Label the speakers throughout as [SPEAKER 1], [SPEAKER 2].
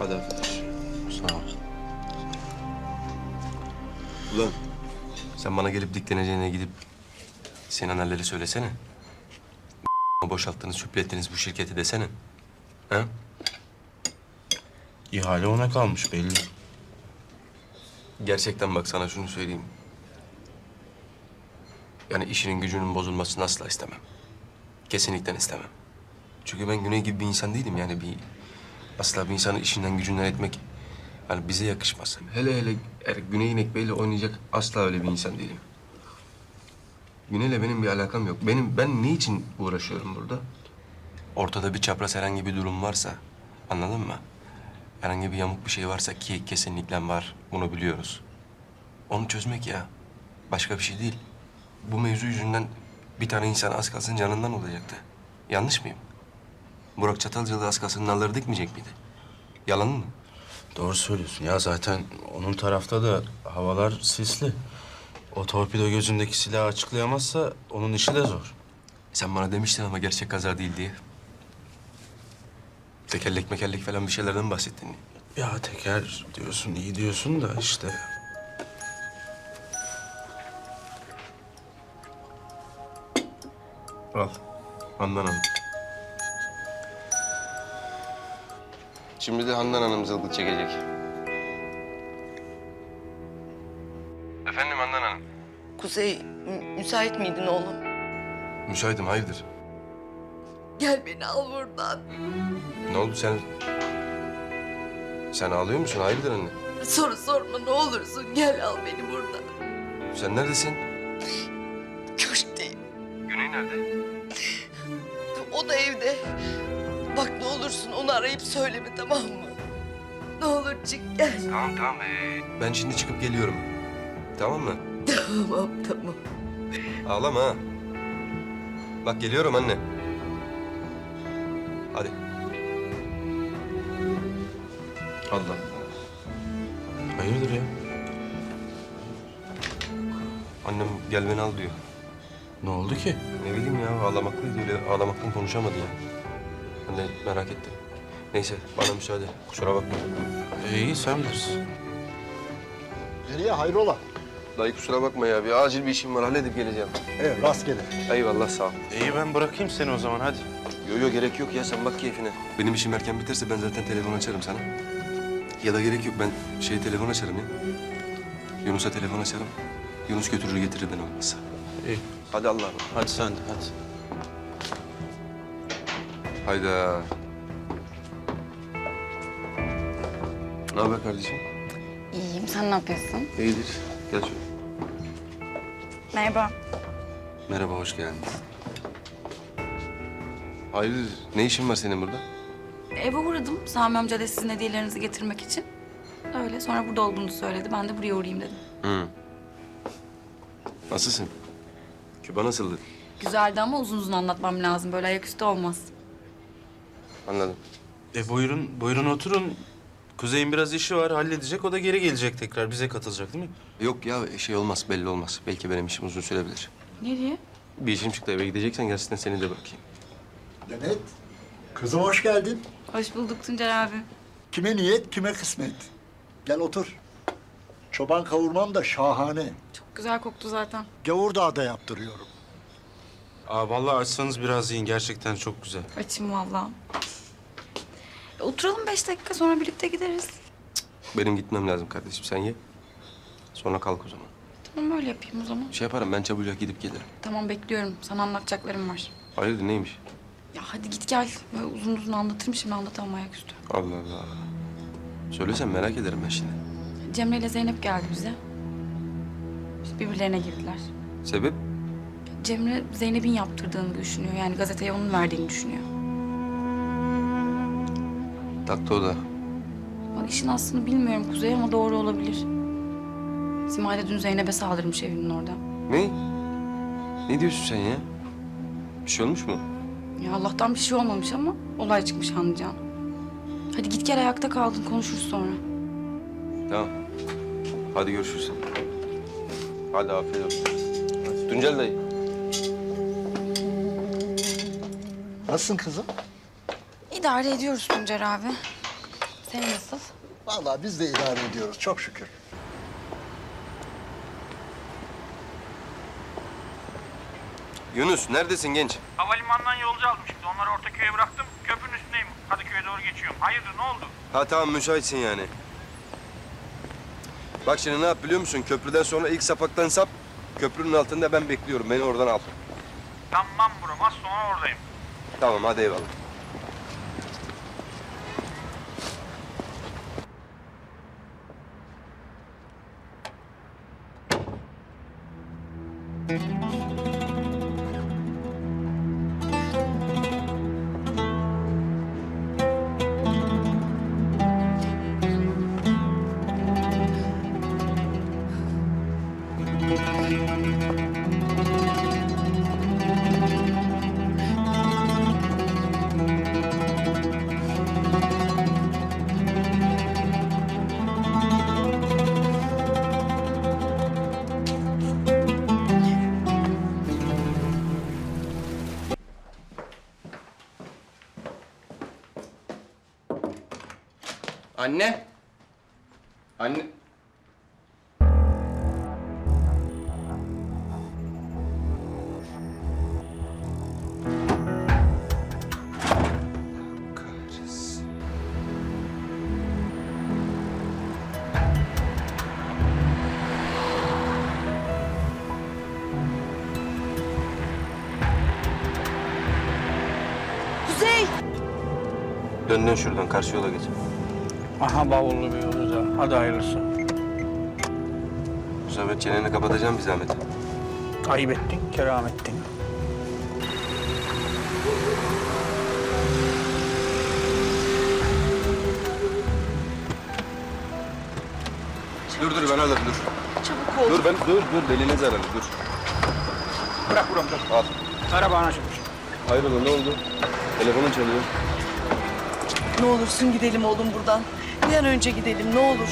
[SPEAKER 1] Hadi arkadaş.
[SPEAKER 2] Sağ ol.
[SPEAKER 1] Ulan sen bana gelip dikleneceğine gidip Sinanlar'ları söylesene. Boşalttınız, süplettiniz bu şirketi desene. Ha?
[SPEAKER 2] İhale ona kalmış belli.
[SPEAKER 1] Gerçekten bak sana şunu söyleyeyim. Yani işinin gücünün bozulmasını asla istemem. Kesinlikle istemem. Çünkü ben Güney gibi bir insan değilim yani asla bir insanı işinden gücünden etmek hani bize yakışmaz. Hele hele Güney İnek Bey'le oynayacak asla öyle bir insan değilim. Güney'le benim bir alakam yok. Ben ne için uğraşıyorum burada? Ortada bir çapraz herhangi bir durum varsa, anladın mı? Herhangi bir yamuk bir şey varsa ki kesinlikle var, bunu biliyoruz. Onu çözmek ya. Başka bir şey değil. Bu mevzu yüzünden bir tane insan az kalsın canından olacaktı. Yanlış mıyım? Burak Çatalcalı az kalsın nalları dikmeyecek miydi? Yalan mı?
[SPEAKER 2] Doğru söylüyorsun ya, zaten onun tarafta da havalar sisli. O torpido gözündeki silahı açıklayamazsa onun işi de zor.
[SPEAKER 1] Sen bana demiştin ama gerçek kaza değil diye. Tekerlek mekerlek falan bir şeylerden bahsettin.
[SPEAKER 2] Ya teker diyorsun, iyi diyorsun da işte.
[SPEAKER 1] Al. Handan Hanım. Şimdi de Handan Hanım zılgıt çekecek. Efendim Handan Hanım.
[SPEAKER 3] Kuzey, müsait miydin oğlum?
[SPEAKER 1] Müsaitim, hayırdır?
[SPEAKER 3] Gel beni al buradan.
[SPEAKER 1] Ne oldu sen? Sen ağlıyor musun? Hayırdır anne?
[SPEAKER 3] Soru sorma ne olursun. Gel al beni buradan.
[SPEAKER 1] Sen neredesin?
[SPEAKER 3] Köşkteyim.
[SPEAKER 1] Güney nerede?
[SPEAKER 3] O da evde. Bak ne olursun onu arayıp söyleme tamam mı? Ne olur çık gel.
[SPEAKER 1] Tamam. Ben şimdi çıkıp geliyorum. Tamam mı?
[SPEAKER 3] Tamam.
[SPEAKER 1] Ağlama ha. Bak geliyorum anne. Hadi. Allah.
[SPEAKER 2] Hayırdır ya?
[SPEAKER 1] Annem gel beni al diyor.
[SPEAKER 2] Ne oldu ki?
[SPEAKER 1] Ne bileyim ya ağlamaklıydı öyle ağlamaktan konuşamadı ya. Anne merak ettim. Neyse bana müsaade. Kusura bakma.
[SPEAKER 2] İyi, sen bilirsin.
[SPEAKER 4] Nereye hayrola?
[SPEAKER 1] Dayı kusura bakma ya. Bir acil bir işim var. Halledip geleceğim.
[SPEAKER 4] Evet rastgele.
[SPEAKER 1] Eyvallah sağ ol.
[SPEAKER 2] İyi, ben bırakayım seni o zaman, hadi.
[SPEAKER 1] Yo gerek yok ya. Sen bak keyfine. Benim işim erken biterse ben zaten telefon açarım sana. Ya da gerek yok. Ben telefon açarım ya. Yunus'a telefon açarım. Yunus götürür getirir ben olmazsa.
[SPEAKER 2] İyi.
[SPEAKER 1] Hadi Allah'a emanet.
[SPEAKER 2] Hadi sen de, hadi.
[SPEAKER 1] Hayda. Ne haber kardeşim?
[SPEAKER 5] İyiyim. Sen ne yapıyorsun?
[SPEAKER 1] İyidir. Gel şöyle.
[SPEAKER 5] Merhaba.
[SPEAKER 1] Merhaba, hoş geldin. Hayırdır? Ne işin var senin burada?
[SPEAKER 5] Eve uğradım. Sami amca da sizin hediyelerinizi getirmek için. Öyle. Sonra burada olduğunu söyledi. Ben de buraya uğrayayım dedim.
[SPEAKER 1] Hı. Nasılsın? Küba nasıldı?
[SPEAKER 5] Güzeldi ama uzun uzun anlatmam lazım. Böyle ayaküstü olmaz.
[SPEAKER 1] Anladım.
[SPEAKER 2] Buyurun oturun. Kuzey'in biraz işi var, halledecek. O da geri gelecek tekrar. Bize katılacak değil mi?
[SPEAKER 1] Yok ya olmaz, belli olmaz. Belki benim işim uzun sürebilir.
[SPEAKER 5] Nereye?
[SPEAKER 1] Bir işim çıktı, eve gideceksen gerçekten seni de bırakayım.
[SPEAKER 4] Demet, kızım hoş geldin.
[SPEAKER 5] Hoş bulduk Tuncer abi.
[SPEAKER 4] Kime niyet, kime kısmet. Gel otur. Çoban kavurmam da şahane.
[SPEAKER 5] Çok güzel koktu zaten.
[SPEAKER 4] Gavurdağ'da yaptırıyorum.
[SPEAKER 2] Vallahi açsanız biraz yiyin. Gerçekten çok güzel.
[SPEAKER 5] Açım vallahi. Oturalım 5 dakika sonra birlikte gideriz.
[SPEAKER 1] Benim gitmem lazım kardeşim, sen ye. Sonra kalk o zaman.
[SPEAKER 5] Tamam öyle yapayım o zaman.
[SPEAKER 1] Yaparım, ben çabucak gidip gelirim.
[SPEAKER 5] Tamam bekliyorum. Sana anlatacaklarım var.
[SPEAKER 1] Hayırdır, neymiş?
[SPEAKER 5] Ya hadi git gel. Böyle uzun uzun anlatırım şimdi anlatamam ayaküstü.
[SPEAKER 1] Allah Allah. Söylesen merak ederim ben şimdi.
[SPEAKER 5] Cemre ile Zeynep geldi bize. Biz birbirlerine girdiler.
[SPEAKER 1] Sebep?
[SPEAKER 5] Cemre Zeynep'in yaptırdığını düşünüyor. Yani gazeteye onun verdiğini düşünüyor.
[SPEAKER 1] Taktı o da.
[SPEAKER 5] Bak işin aslını bilmiyorum Kuzey ama doğru olabilir. Simay da dün Zeynep'e saldırmış evinin orada.
[SPEAKER 1] Ne? Ne diyorsun sen ya? Bir şey olmuş mu?
[SPEAKER 5] Ya Allah'tan bir şey olmamış ama olay çıkmış anlayacağın. Hadi git gel ayakta kaldın konuşuruz sonra.
[SPEAKER 1] Tamam. Hadi görüşürüz. Hadi afiyet olsun. Tuncel dayı.
[SPEAKER 4] Nasılsın kızım?
[SPEAKER 5] İdare ediyoruz Tuncer abi. Sen nasılsın? nasıl?
[SPEAKER 4] Vallahi biz de idare ediyoruz çok şükür.
[SPEAKER 1] Yunus neredesin genç?
[SPEAKER 6] Havalimanından yolcu aldım şimdi. Onları Ortaköy'e bıraktım. Köprünün üstündeyim. Kadıköy'e doğru geçiyorum. Hayırdır ne oldu?
[SPEAKER 1] Ha tamam müsaitsin yani. Bak şimdi ne yap biliyor musun? Köprüden sonra ilk sapaktan sap. Köprünün altında ben bekliyorum. Beni oradan al.
[SPEAKER 6] Tamam bro. Az sonra oradayım.
[SPEAKER 1] Tamam hadi eyvallah. Anne. Anne. Kahretsin.
[SPEAKER 3] Kuzey!
[SPEAKER 1] Dön şuradan karşı yola geç.
[SPEAKER 6] Aha bavullu bir yolcu da. Hadi hayırlısı.
[SPEAKER 1] Bu sefer çeneni kapatacağım bir zahmet.
[SPEAKER 6] Ayıp ettin, keram ettin.
[SPEAKER 1] Dur ben alırım dur.
[SPEAKER 3] Çabuk ol.
[SPEAKER 1] Dur beline zararlı dur.
[SPEAKER 6] Bırak buram dur.
[SPEAKER 1] Al.
[SPEAKER 6] Araba açılmış.
[SPEAKER 1] Hayrola ne oldu? Telefonun çalıyor.
[SPEAKER 3] Ne olursun gidelim oğlum buradan. Bir an önce gidelim ne olur.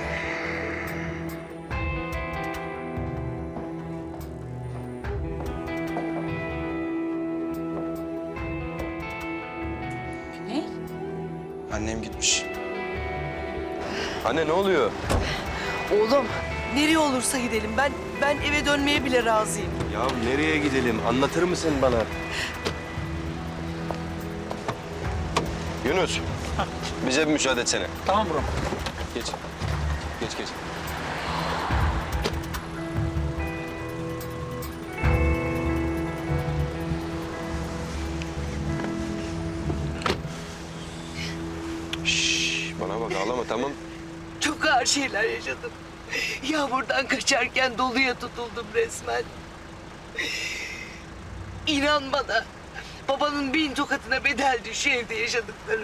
[SPEAKER 5] Ne?
[SPEAKER 2] Annem gitmiş.
[SPEAKER 1] Anne ne oluyor?
[SPEAKER 3] Oğlum nereye olursa gidelim. Ben eve dönmeye bile razıyım.
[SPEAKER 1] Ya nereye gidelim? Anlatır mısın bana? Yunus. Bize bir müsaade etsene.
[SPEAKER 6] Tamam buram.
[SPEAKER 1] Geç. Geç. Şşş, bana bak ağlama tamam.
[SPEAKER 3] Çok ağır şeyler yaşadım. Yağmurdan kaçarken doluya tutuldum resmen. İnan bana. Babanın 1000 tokatına bedeldi şu evde yaşadıklarım.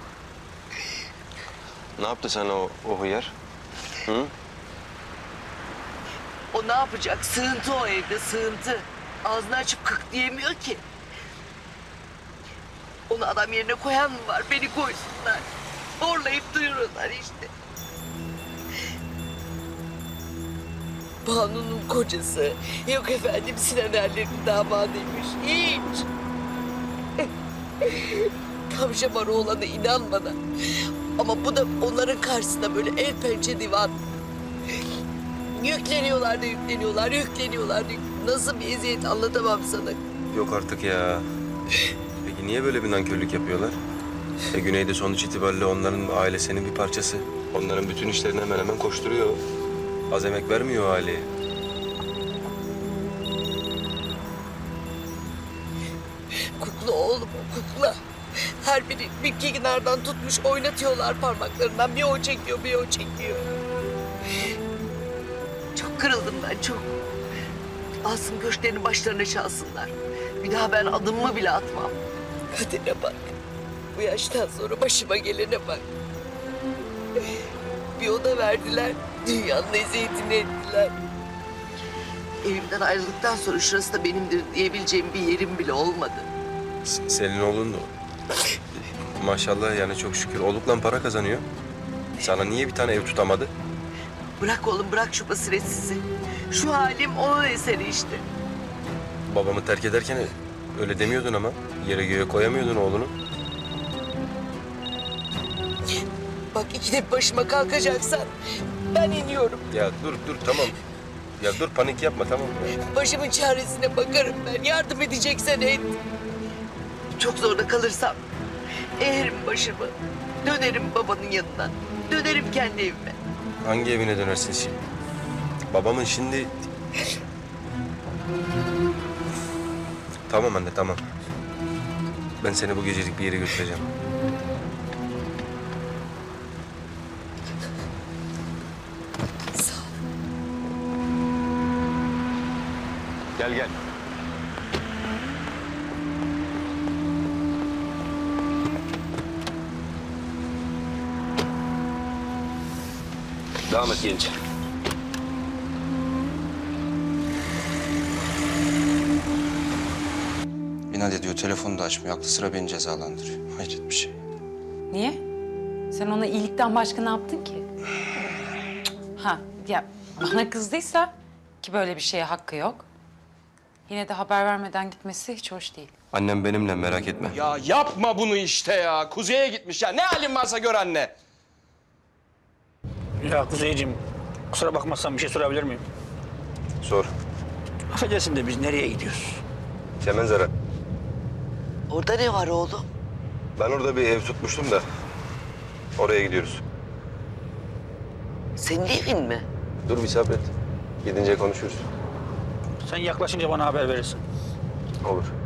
[SPEAKER 1] Ne yaptı sana o hıyar? Hı?
[SPEAKER 3] O ne yapacak? Sığıntı o evde, sığıntı. Ağzını açıp kık diyemiyor ki. Onu adam yerine koyan mı var? Beni koysunlar. Horlayıp duyuruyorlar işte. Banu'nun kocası. Yok efendim Sinan Erler'in damadıymış. Hiç. Tam şamarı olana inan bana. Ama bu da onların karşısında böyle el pençe divan. Yükleniyorlar. Nasıl bir eziyet anlatamam sana.
[SPEAKER 1] Yok artık ya. Peki niye böyle bir nankörlük yapıyorlar? Güney'de sonuç itibariyle onların ailesinin bir parçası. Onların bütün işlerini hemen hemen koşturuyor. Az emek vermiyor o aileye.
[SPEAKER 3] Kukla oğlum o kukla. Her biri bir kenardan tutmuş oynatıyorlar parmaklarından. Bir o çekiyor, bir o çekiyor. Çok kırıldım ben, çok. Alsın köşklerini başlarına çalsınlar. Bir daha ben adımımı bile atmam. Kadere bak. Bu yaştan sonra başıma gelene bak. Bir oda verdiler, dünyanın eziyetini ettiler. Evimden ayrıldıktan sonra şurası da benimdir diyebileceğim bir yerim bile olmadı.
[SPEAKER 1] Senin oğlun da maşallah yani çok şükür olukla para kazanıyor. Sana niye bir tane ev tutamadı?
[SPEAKER 3] Bırak oğlum, bırak şu basiretsizi. Şu halim onun eseri işte.
[SPEAKER 1] Babamı terk ederken öyle demiyordun ama. Yere göğe koyamıyordun oğlunu.
[SPEAKER 3] Bak Bak ikide bir başıma kalkacaksan ben iniyorum.
[SPEAKER 1] Ya dur tamam. Ya dur panik yapma tamam mı?
[SPEAKER 3] Başımın çaresine bakarım ben. Yardım edeceksen et. Çok zorda kalırsam eğerim başımı. Dönerim babanın yanına. Dönerim kendi evime.
[SPEAKER 1] Hangi evine dönersin şimdi? Babamın şimdi... Tamam anne tamam. Ben seni bu gecelik bir yere götüreceğim.
[SPEAKER 3] Sağ ol.
[SPEAKER 1] Gel. Devam et genç.
[SPEAKER 2] İnat ediyor, telefonu da açmıyor. Aklı sıra beni cezalandırıyor. Hayret bir şey.
[SPEAKER 7] Niye? Sen ona iyilikten başka ne yaptın ki? Ha ya bana kızdıysa ki böyle bir şeye hakkı yok. Yine de haber vermeden gitmesi hiç hoş değil.
[SPEAKER 1] Annem benimle merak etme.
[SPEAKER 8] Ya yapma bunu işte ya. Kuzey'e gitmiş ya. Ne halin varsa gör anne.
[SPEAKER 9] Ya Kuzeyciğim, kusura bakmazsan bir şey sorabilir miyim?
[SPEAKER 1] Sor.
[SPEAKER 9] Affedersin de biz nereye gidiyoruz?
[SPEAKER 1] Kemenzara.
[SPEAKER 3] Orada ne var oğlum?
[SPEAKER 1] Ben orada bir ev tutmuştum da. Oraya gidiyoruz.
[SPEAKER 3] Senin evin mi?
[SPEAKER 1] Dur bir sabret. Gidince konuşuruz.
[SPEAKER 9] Sen yaklaşınca bana haber verirsin.
[SPEAKER 1] Olur.